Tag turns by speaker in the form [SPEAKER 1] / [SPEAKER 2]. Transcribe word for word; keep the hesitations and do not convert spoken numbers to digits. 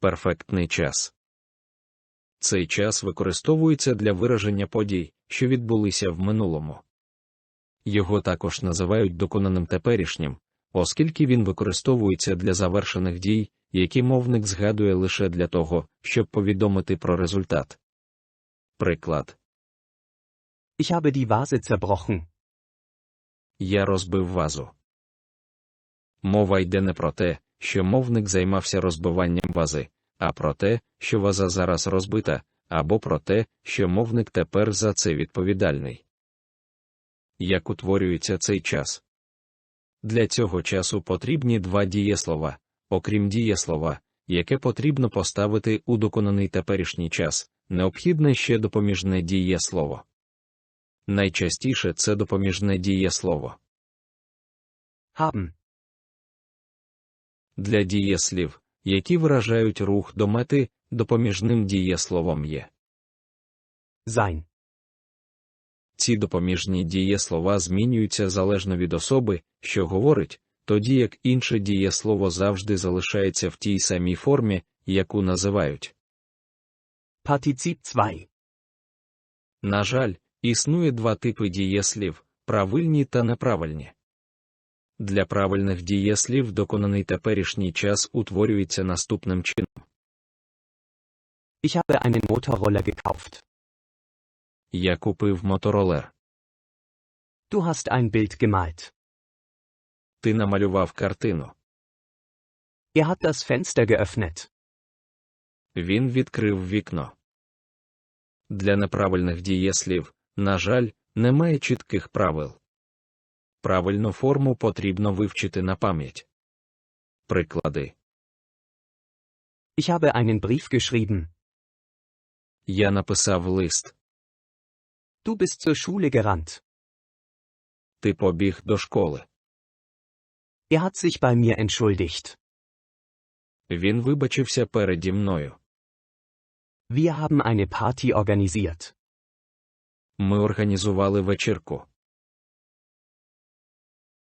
[SPEAKER 1] Перфектний час. Цей час використовується для вираження подій, що відбулися в минулому. Його також називають доконаним теперішнім, оскільки він використовується для завершених дій, які мовник згадує лише для того, щоб повідомити про результат. Приклад.
[SPEAKER 2] Ich habe die Vase zerbrochen.
[SPEAKER 1] Я розбив вазу. Мова йде не про те, що мовник займався розбиванням вази, а про те, що ваза зараз розбита, або про те, що мовник тепер за це відповідальний. Як утворюється цей час? Для цього часу потрібні два дієслова, окрім дієслова, яке потрібно поставити у доконаний теперішній час, необхідне ще допоміжне дієслово. Найчастіше це допоміжне дієслово.
[SPEAKER 2] Haben.
[SPEAKER 1] Для дієслів, які виражають рух до мети, допоміжним дієсловом є
[SPEAKER 2] Sein.
[SPEAKER 1] Ці допоміжні дієслова змінюються залежно від особи, що говорить, тоді як інше дієслово завжди залишається в тій самій формі, яку називають.
[SPEAKER 2] Partizip zwei.
[SPEAKER 1] На жаль, існує два типи дієслів – правильні та неправильні. Для правильних дієслів доконаний теперішній час утворюється наступним чином.
[SPEAKER 2] Ich habe einen Motorroller gekauft.
[SPEAKER 1] Я купив моторолер.
[SPEAKER 2] Du hast ein Bild gemalt.
[SPEAKER 1] Ти намалював картину.
[SPEAKER 2] Er hat das Fenster geöffnet.
[SPEAKER 1] Він відкрив вікно. Для неправильних дієслів, на жаль, немає чітких правил. Правильну форму потрібно вивчити на пам'ять. Приклади.
[SPEAKER 2] Ich habe einen Brief geschrieben.
[SPEAKER 1] Я написав лист.
[SPEAKER 2] Du bist zur Schule gerannt.
[SPEAKER 1] Ти побіг до школи.
[SPEAKER 2] Er hat sich bei mir entschuldigt.
[SPEAKER 1] Він вибачився переді мною.
[SPEAKER 2] Wir haben eine Party organisiert.
[SPEAKER 1] Ми організували вечірку.